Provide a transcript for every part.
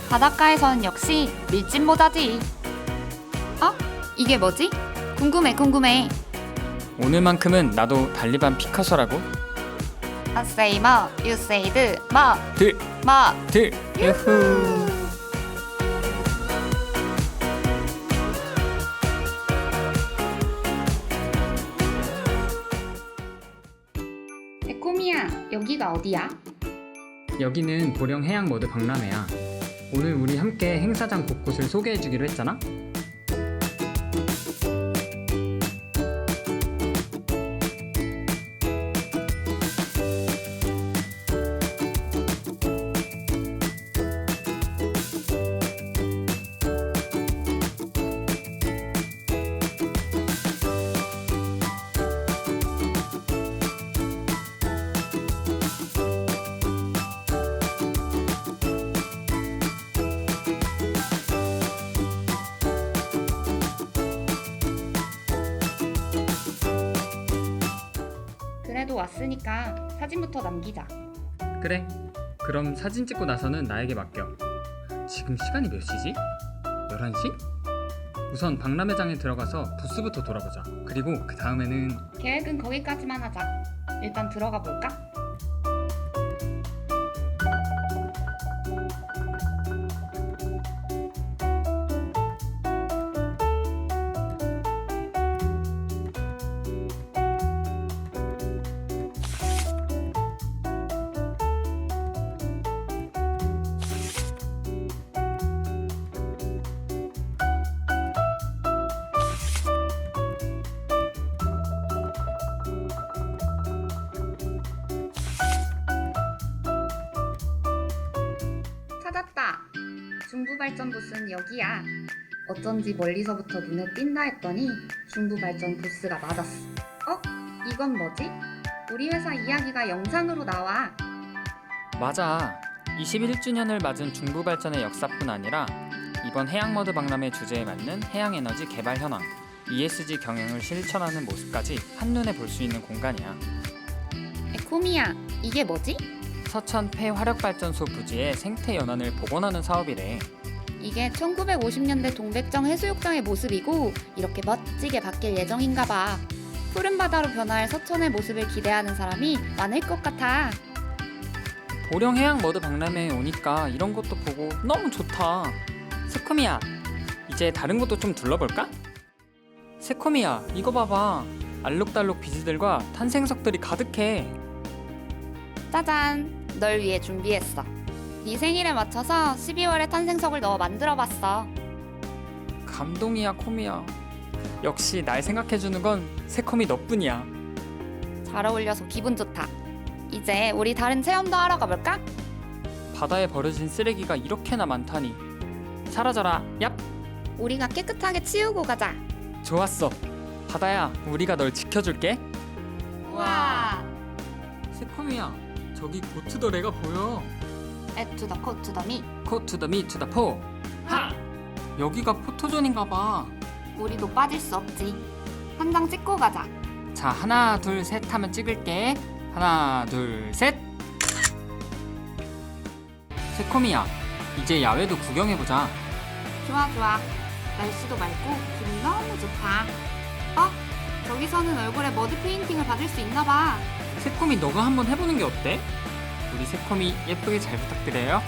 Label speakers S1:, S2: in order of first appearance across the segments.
S1: 바닷가에선 역시 밀짚 모자지. 어? 이게 뭐지? 궁금해.
S2: 오늘만큼은 나도 달리반 피카소라고.
S1: I say more, you say the more.
S2: 들 유후.
S1: 에코미야, 여기가 어디야?
S2: 여기는 보령 해양머드 박람회야. 오늘 우리 함께 행사장 곳곳을 소개해주기로 했잖아.
S1: 그래도 왔으니까 사진부터 남기자.
S2: 그래. 그럼 사진 찍고 나서는 나에게 맡겨. 지금 시간이 몇 시지? 11시? 우선 박람회장에 들어가서 부스부터 돌아보자. 그리고 그 다음에는
S1: 계획은 거기까지만 하자. 일단 들어가 볼까? 찾았다. 중부발전 부스는 여기야. 어쩐지 멀리서부터 눈에 띈다 했더니 중부발전 부스가 맞았어. 이건 뭐지? 우리 회사 이야기가 영상으로 나와.
S2: 맞아. 21주년을 맞은 중부발전의 역사뿐 아니라 이번 해양머드 박람회 주제에 맞는 해양에너지 개발 현황, ESG 경영을 실천하는 모습까지 한눈에 볼 수 있는 공간이야.
S1: 에코미야, 이게 뭐지?
S2: 서천 폐화력발전소 부지의 생태 연안을 복원하는 사업이래.
S1: 이게 1950년대 동백정 해수욕장의 모습이고 이렇게 멋지게 바뀔 예정인가 봐. 푸른 바다로 변화할 서천의 모습을 기대하는 사람이 많을 것 같아.
S2: 보령 해양머드 박람회에 오니까 이런 것도 보고 너무 좋다. 세코미야, 이제 다른 것도 좀 둘러볼까? 세코미야, 이거 봐봐. 알록달록 비즈들과 탄생석들이 가득해.
S1: 짜잔! 널 위해 준비했어. 네 생일에 맞춰서 12월에 탄생석을 넣어 만들어봤어.
S2: 감동이야, 코미야. 역시 날 생각해주는 건 세코미 너뿐이야.
S1: 잘 어울려서 기분 좋다. 이제 우리 다른 체험도 하러 가볼까?
S2: 바다에 버려진 쓰레기가 이렇게나 많다니. 사라져라, 얍!
S1: 우리가 깨끗하게 치우고 가자.
S2: 좋았어. 바다야, 우리가 널 지켜줄게.
S1: 우와!
S2: 세코미야, 저기 고투더레가 보여.
S1: 에투더 코투더미.
S2: 코투더 미투더 포. 하! 여기가 포토존인가 봐.
S1: 우리도 빠질 수 없지. 한 장 찍고 가자.
S2: 자, 하나 둘 셋 하면 찍을게. 하나 둘 셋. 세코미야, 이제 야외도 구경해보자.
S1: 좋아. 날씨도 맑고 기분 너무 좋다. 저기서는 얼굴에 머드 페인팅을 받을 수 있나 봐.
S2: 세코미, 너가 한번 해보는 게 어때? 우리 세코미 예쁘게 잘 부탁드려요.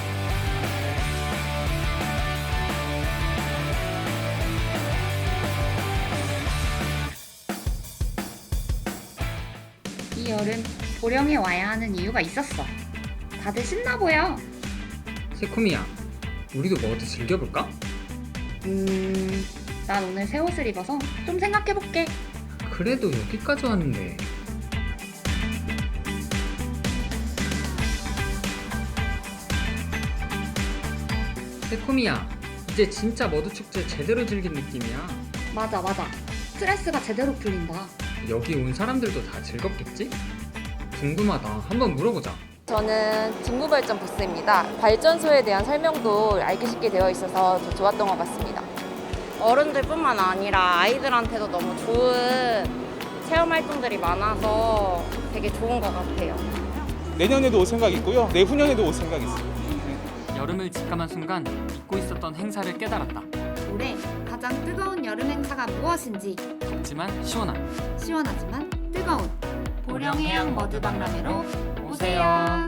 S1: 이 여름 보령에 와야 하는 이유가 있었어. 다들 신나 보여.
S2: 세코미야, 우리도 머드 즐겨볼까?
S1: 난 오늘 새 옷을 입어서 좀 생각해볼게.
S2: 그래도 여기까지 왔는데. 세코미야, 이제 진짜 머드 축제 제대로 즐긴 느낌이야.
S1: 맞아. 스트레스가 제대로 풀린다.
S2: 여기 온 사람들도 다 즐겁겠지? 궁금하다. 한번 물어보자.
S3: 저는 직무발전 부스입니다. 발전소에 대한 설명도 알기 쉽게 되어 있어서 더 좋았던 것 같습니다. 어른들뿐만 아니라 아이들한테도 너무 좋은 체험 활동들이 많아서 되게 좋은 것 같아요.
S4: 내년에도 올 생각 있고요. 내후년에도 올 생각 있어요.
S2: 여름을 직감한 순간 잊고 있었던 행사를 깨달았다.
S1: 올해 가장 뜨거운 여름 행사가 무엇인지
S2: 덥지만 시원한
S1: 시원하지만 뜨거운 보령해양 머드박람회로
S2: 오세요.